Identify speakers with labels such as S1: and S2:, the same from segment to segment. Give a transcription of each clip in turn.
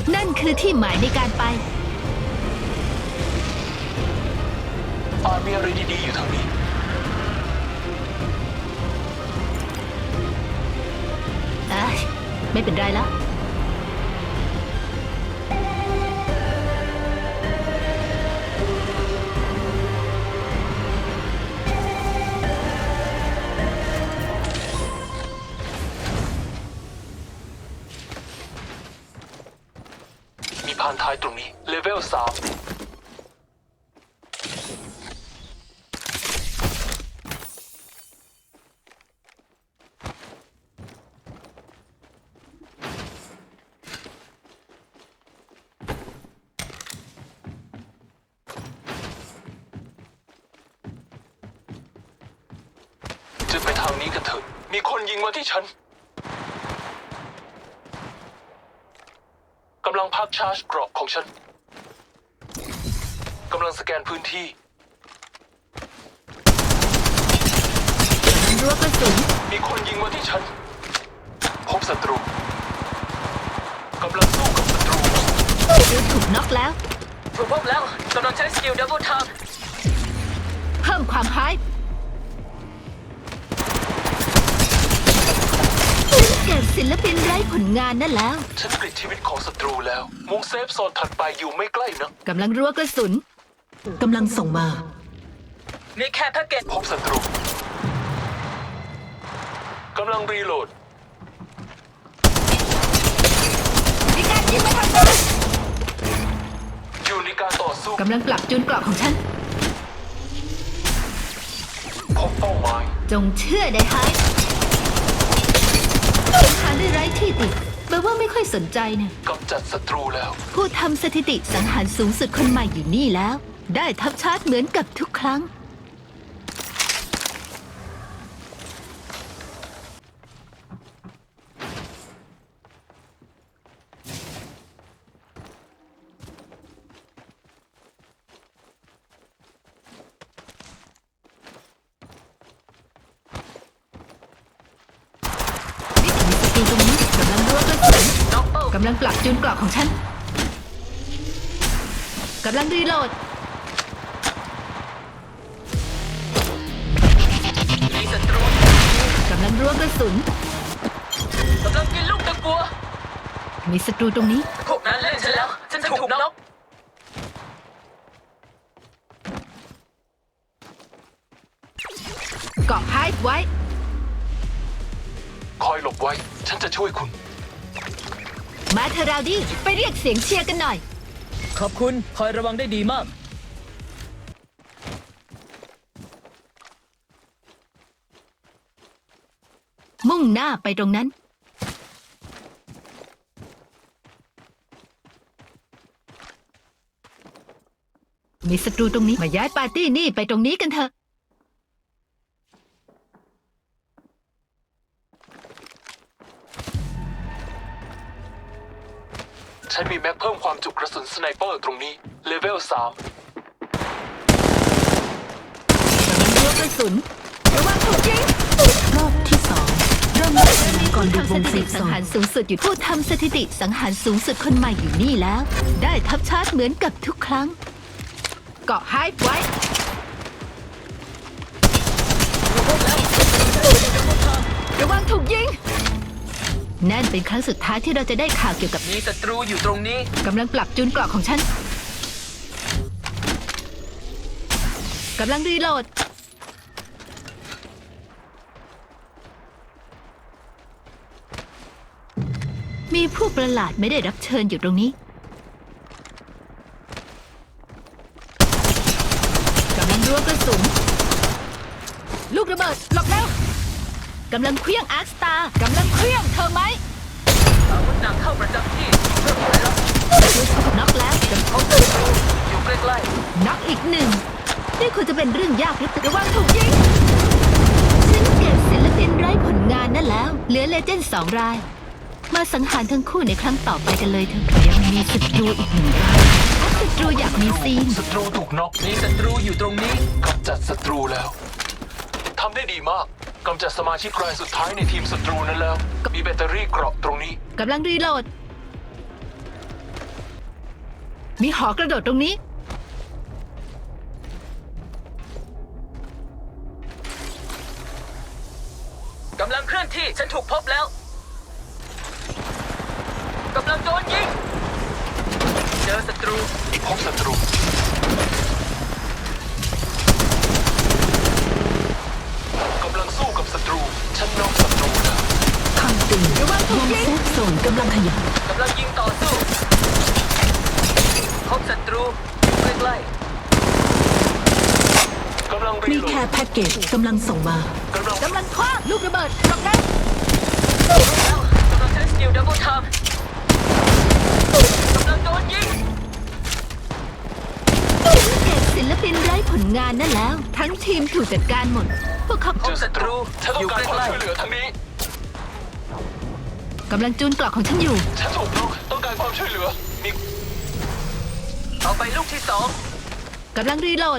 S1: นั่นคือที่หมายในการไป
S2: มีอะไรดีๆอยู่ทางนี้
S1: ไม่เป็นไรแล้ว
S2: มีพานท้ายตรงนี้เลเวล 3จะไปทางนี้กันเถอะมีคนยิงมาที่ฉันกำลังพักชาร์จเกราะของฉันกำลังสแกนพื้นที่
S1: รั้วกระสุน
S2: มีคนยิงมาที่ฉันพบศัตรูกำลังสู้กับศัตรู
S1: ถูกน็อกแล้ว
S3: ถูกพบแล้วกำลังใช้สกิลดับเบิลทับ
S1: เพิ่มความไฮเก็บศิลปินไร้ผลงานนั่นแล้ว
S2: ฉันกลิดชีวิตของศัตรูแล้วมุงเซฟโซนถัดไปอยู่ไม่ใกล้นะ
S1: กำลังรั้วกระสุน
S4: กำลังส่งมา
S3: มีแค่แพ็กเกจ
S2: พบศัตรูกำลังรีโหลด
S1: มีการยิงมาทางนู้น
S2: อยู่ในการต่อสู้
S1: กำลังปรับจูนเกราะของฉัน
S2: พบเป้าหมาย
S1: จงเชื่อได้ไฮหาได้ไร้ที่ติดแปลว่าไม่ค่อยสนใจนะ
S2: กำจัดศัตรูแล้ว
S1: ผู้ทำสถิติสังหารสูงสุดคนใหม่อยู่นี่แล้วได้ทับชาร์จเหมือนกับทุกครั้งตรงนี้กำลังรั้วกระสุนกำลังปรับจูนเกราะของฉันกำลังรีโหลด
S3: มีศัตรู
S1: กำลังรั้วกระสุน
S3: กำลังกินลูกตะกัว
S1: มีศัตรูตรงนี้
S3: พวกนั้นเล่นฉันแล้วฉันถูกน็อก
S1: เกาะไฮไว้
S2: คอยหลบไว้ฉันจะช่วยคุณ
S1: มาเธอราวดี้ไปเรียกเสียงเชียร์กันหน่อย
S3: ขอบคุณคอยระวังได้ดีมาก
S1: มุ่งหน้าไปตรงนั้นมีศัตรูตรงนี้มาย้ายปาร์ตี้นี่ไปตรงนี้กันเถอะ
S2: ฉันมีแม็กเพิ่มความจุกระสุนสไนเปอร์ตรงนี้เลเวล 3
S1: รั้วกระสุนระวังถูกยิง
S4: รอบที่2เริ่มนับคะแนนก่อนดูวงเซฟโซน
S1: สังหารสูงสุดอยู่ผู้ทำสถิติสังหารสูงสุดคนใหม่อยู่นี่แล้วได้ทับชาร์จเหมือนกับทุกครั้งเกาะไฮไว้ระวังถูกยิงนั่นเป็นครั้งสุดท้ายที่เราจะได้ข่าวเกี่ยวกับ
S3: มีศัตรูอยู่ตรงนี้
S1: กำลังปรับจูนเกราะของฉันกำลังรีโหลดมีผู้ประหลาดไม่ได้รับเชิญอยู่ตรงนี้กำลังรั้วกระสุนลูกระเบิดหลบแล้วกำลังเคลี้ยงอาร์คสตาร์กำลังเคลี้ยงเธอไหม
S3: อาวุธหนักเข้าประจำที่เพิ่มผลลัพธ์
S1: น็อกแล้ว
S3: เป็นเขาศัตรูอยู่ใกล้
S1: ๆน็อกอีกหนึ่งนี่ควรจะเป็นเรื่องยากหรือเปล่าระวังถูกยิงฉันเก็บศิลปินไร้ผลงานนั่นแล้วเหลือเลเจนด์2 รายมาสังหารทั้งคู่ในครั้งต่อไปกันเลยเถอะยังมีศัตรูอีก1 รายศัตรูอยากมีซีน
S2: ศัตรูถูกน็อก
S3: มีศัตรูอยู่ตรงนี้
S2: กำจัดศัตรูแล้วทำได้ดีมากกำจัดสมาชิกรายสุดท้ายในทีมศัตรูนั้นแล้วมีแบตเตอรี่เกราะตรงนี้
S1: กำลังรีโหลดมีหอกระโดดตรงนี้
S3: กำลังเคลื่อนที่ฉันถูกพบแล้วกำลังโดนยิงเจอศัตรู
S2: พบศัตรู กำลังสู้กับศัตรู ฉันน็อกศัตรูแล้ว
S4: คำเตือนวงเซฟโซนกำลังขยาย
S3: กำลังยิงต่อสู้พบศัตรูอยู่ใกล้
S2: กำลังรี
S4: มี
S2: โหล
S4: แค่
S2: ด
S4: แพ็กเกจกำลังส่งมา
S2: กำลัง
S1: กำลังคว้างลูกระเบิดตรงนั้น
S3: ๆแล้วกำลังใช้สกิลดับเบิลไทม์กำลังโดนยิง
S1: เก็บศิลปินไร้ผลงานนั่นแล้ว ทั้งทีมถูกจัดการหมด พวกเขา
S3: พบศัตรู
S2: ฉันต้
S3: อ
S2: อง
S3: ยู่
S2: การ
S3: ใก
S2: ความ
S3: ล้
S2: ช่วยเหลือทางนี้
S1: กำลังจูนเกราะของฉันอยู่
S2: ฉันถูกน็อกต้องการความช่วยเหลือ มี
S3: ๆเอาไปลูกที่สอง
S1: กำลังรีโหลด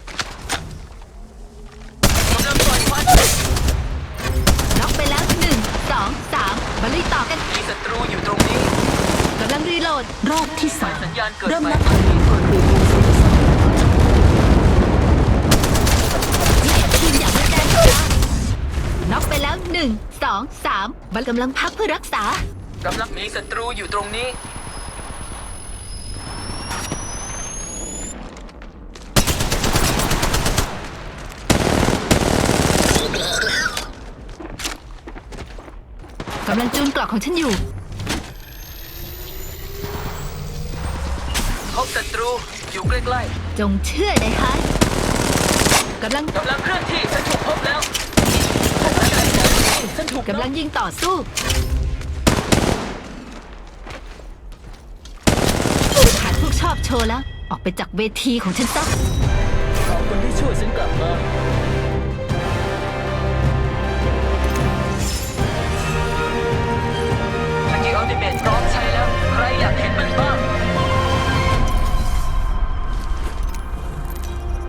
S3: กำลังปล่อยควัน
S1: น็อกไปแล้ว1 2 3มาลุยต่อกัน
S3: มีศัตรูอยู่ตรงนี้
S1: กำลังรีโหลด
S4: รอบที่
S3: สัญญาณเกิด
S4: 3เริ่ม
S3: ใหม่
S4: นับถอยหลังก่อนบีบวงเซฟโซน
S1: ทีมอย่างแรงๆน็อกไปแล้ว1 2 3บัลกำลังพักเพื่อรักษา
S3: กำลังมีศัตรูอยู่ตรงนี้
S1: กำลังจูนเกราะของฉันอยู่
S3: พบศัตรูอยู่ใกล้
S1: จงเชื่อในฮาร์ดกำลัง
S3: ๆกำลังเคลื่อนที่ฉันถูกพบแล้วฉันถูก
S1: กำลังยิงต่อสู้หาพวกชอบโชว์แล้ว ออกไปจากเวทีของฉันซะ
S3: ขอบคุณที่ช่วยฉันกลับมา